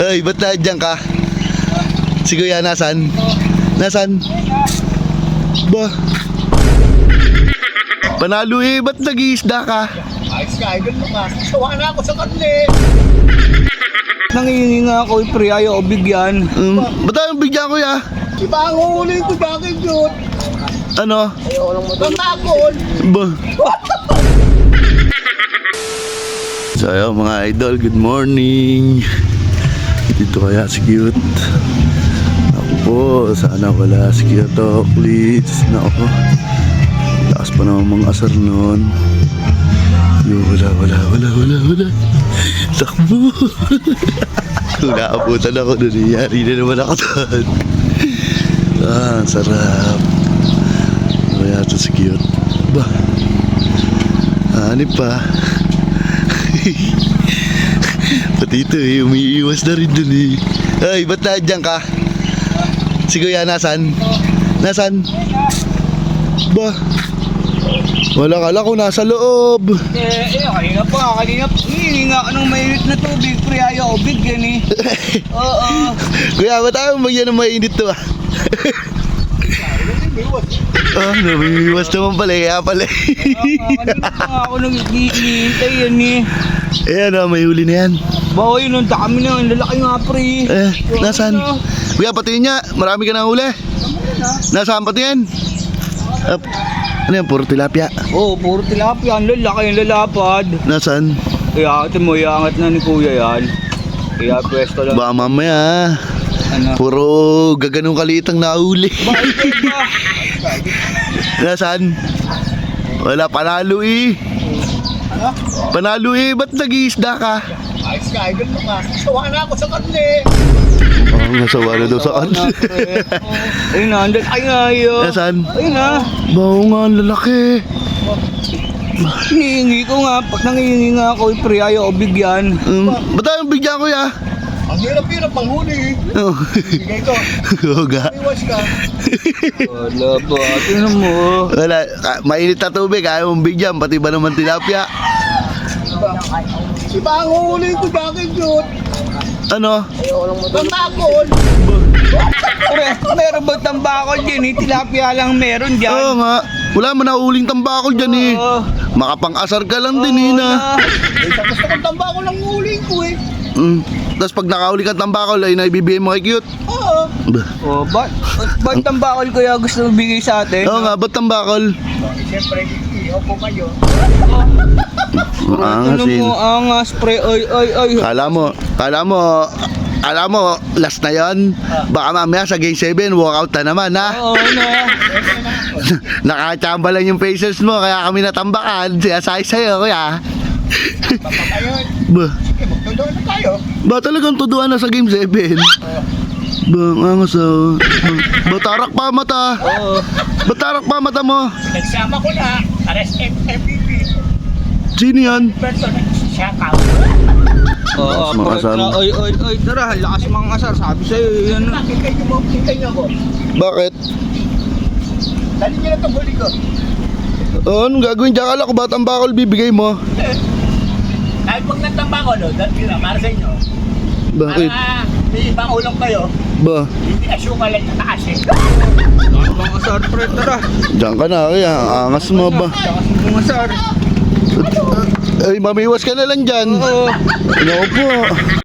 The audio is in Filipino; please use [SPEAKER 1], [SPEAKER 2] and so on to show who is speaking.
[SPEAKER 1] Ay, ba't nandiyan ka? Si Kuya, nasan? Nasan? Ba? Panalo eh, ba't nag-iisda ka?
[SPEAKER 2] Ayos ka, idol mo nga. Sawa na ako sa kanila eh.
[SPEAKER 3] Nangihingi nga ako, pre, ayaw ko bigyan.
[SPEAKER 1] Ba't tayo bigyan, Kuya?
[SPEAKER 2] Iba ang huli ko, bakit yun?
[SPEAKER 1] Ano?
[SPEAKER 2] Pangakol.
[SPEAKER 1] Ba? So ayun mga idol, good morning. Dito kaya si Cute. Ako po, sana wala si Cute o please. Ako, lakas pa naman mga asar nun. Yo, wala. Takbo. Kung naabutan ako doon, yari na naman ako doon. Ang sarap. Kaya ito si Cute. Ba? Hanip pa. Pati ito eh, umiiwas na rin dun eh. Ay, ba't nandiyan ka? Si Kuya, nasan? Nasan? Ba? Wala kala ko nasa loob.
[SPEAKER 3] Kanina pa. Hihingi nga ako ng mainit na tubig, pre, ayaw ko bigyan eh. Oo.
[SPEAKER 1] Kuya, ba't ayaw magyan ng mainit to ah? Ah, namimiwas naman pala, kaya pala.
[SPEAKER 3] Kanina pa ako nag-iintay yan eh.
[SPEAKER 1] Ayan ah, may huli na yan.
[SPEAKER 3] Bawa yun, ang dami na, ang lalaki nga, pre.
[SPEAKER 1] Nasaan? Kuya, patingin niya, marami ka na huli. Nasaan patingin? Ano yan, puro tilapia?
[SPEAKER 3] Oo, puro tilapia, ang lalaki, ang lalapad.
[SPEAKER 1] Nasaan?
[SPEAKER 3] Kaya ito mo, iangat na ni Kuya yan. Kaya pwesto lang.
[SPEAKER 1] Baka mamaya,
[SPEAKER 3] Ano?
[SPEAKER 1] puro gaganong kalitang nahuli.
[SPEAKER 3] Bakit ba?
[SPEAKER 1] Nasaan? Wala, panalo eh. Panalo eh, ba't nag-iisda ka?
[SPEAKER 2] Ayos ka, idol mo nga. Sawa na ako sa kanila eh.
[SPEAKER 1] Oh, nasawa na daw sa kanila.
[SPEAKER 3] Ayun na, ang lalaki nga yun.
[SPEAKER 1] Nasaan?
[SPEAKER 3] Ayun na.
[SPEAKER 1] Bao nga, ang lalaki.
[SPEAKER 3] Hinihingi ko nga, pag nangihingi nga ako, pre, ayaw ko bigyan.
[SPEAKER 1] Ba't tayo bigyan, Kuya?
[SPEAKER 2] Ang hirap-hirap pang huli eh.
[SPEAKER 1] Oh.
[SPEAKER 2] Bigay ko.
[SPEAKER 1] Huwag
[SPEAKER 2] Iwas ka.
[SPEAKER 3] Wala ba? Tingnan mo.
[SPEAKER 1] Wala, mainit na tubig, ayaw mong bigyan, pati ba naman tilapia?
[SPEAKER 2] Iba ang huli ko, bakit yun?
[SPEAKER 1] Ano?
[SPEAKER 2] Pangakol.
[SPEAKER 3] Pre, meron ba tambakol dyan eh? Tilapia lang meron
[SPEAKER 1] Oo
[SPEAKER 3] dyan.
[SPEAKER 1] nga, wala mo na uling tambakol dyan eh.
[SPEAKER 3] Oo.
[SPEAKER 1] Makapang-asar ka lang din eh na.
[SPEAKER 2] Isa gusto kong tambakol ang huli ko eh.
[SPEAKER 1] Tapos pag nakauli kang tambakol ay naibibigay mo kay Cute.
[SPEAKER 2] Oo.
[SPEAKER 1] Bah.
[SPEAKER 3] Oh, ba't tambakol kaya gusto mo bigay sa atin?
[SPEAKER 1] Oo nga, ba't tambakol?
[SPEAKER 2] Siyempre, ihaw po kayo.
[SPEAKER 1] Angas
[SPEAKER 3] Ano
[SPEAKER 1] eh.
[SPEAKER 3] mo, angas, pre, ay.
[SPEAKER 1] Kala mo, last na yon. Baka mamaya sa game 7, walkout na naman ha.
[SPEAKER 3] Oo na.
[SPEAKER 1] Nakachamba lang yung faces mo, kaya kami natambakan. Siyasay sa'yo, Kuya.
[SPEAKER 2] Papakayon.
[SPEAKER 1] Ba,
[SPEAKER 2] Sige, magtundoon na tayo.
[SPEAKER 1] ba talagang tuduan na sa game 7? Ba, angas ah. Ba, tarak pa mata.
[SPEAKER 3] Oo.
[SPEAKER 1] Ba, tarak pa mata mo?
[SPEAKER 2] Nagsama ko na. Ares MVP.
[SPEAKER 1] Sino yan?
[SPEAKER 2] Person, shout-out.
[SPEAKER 3] Oo,
[SPEAKER 1] Lakas mga asar.
[SPEAKER 3] Ay, tara, lakas mga asar. Sabi sa'yo, yan.
[SPEAKER 2] Nakikay niyo mo, kikay niyo ako.
[SPEAKER 1] Bakit?
[SPEAKER 2] Dali niyo na itong huli ko.
[SPEAKER 1] Anong gagawin dyan? Kala ko ba tambakol bibigay mo?
[SPEAKER 2] Kahit pag nagtambako, no, dali na, para sa inyo.
[SPEAKER 1] Bakit?
[SPEAKER 2] Para may ibang ulam kayo,
[SPEAKER 1] Ba,
[SPEAKER 2] hindi asukal at tataas eh.
[SPEAKER 3] Mga asar, pre, tara.
[SPEAKER 1] dyan ka na, Kuya. Angas mo ba?
[SPEAKER 3] Lakas mga asar.
[SPEAKER 1] Ay, mamiwas ka na lang dyan.
[SPEAKER 3] Oo.
[SPEAKER 1] Ano po?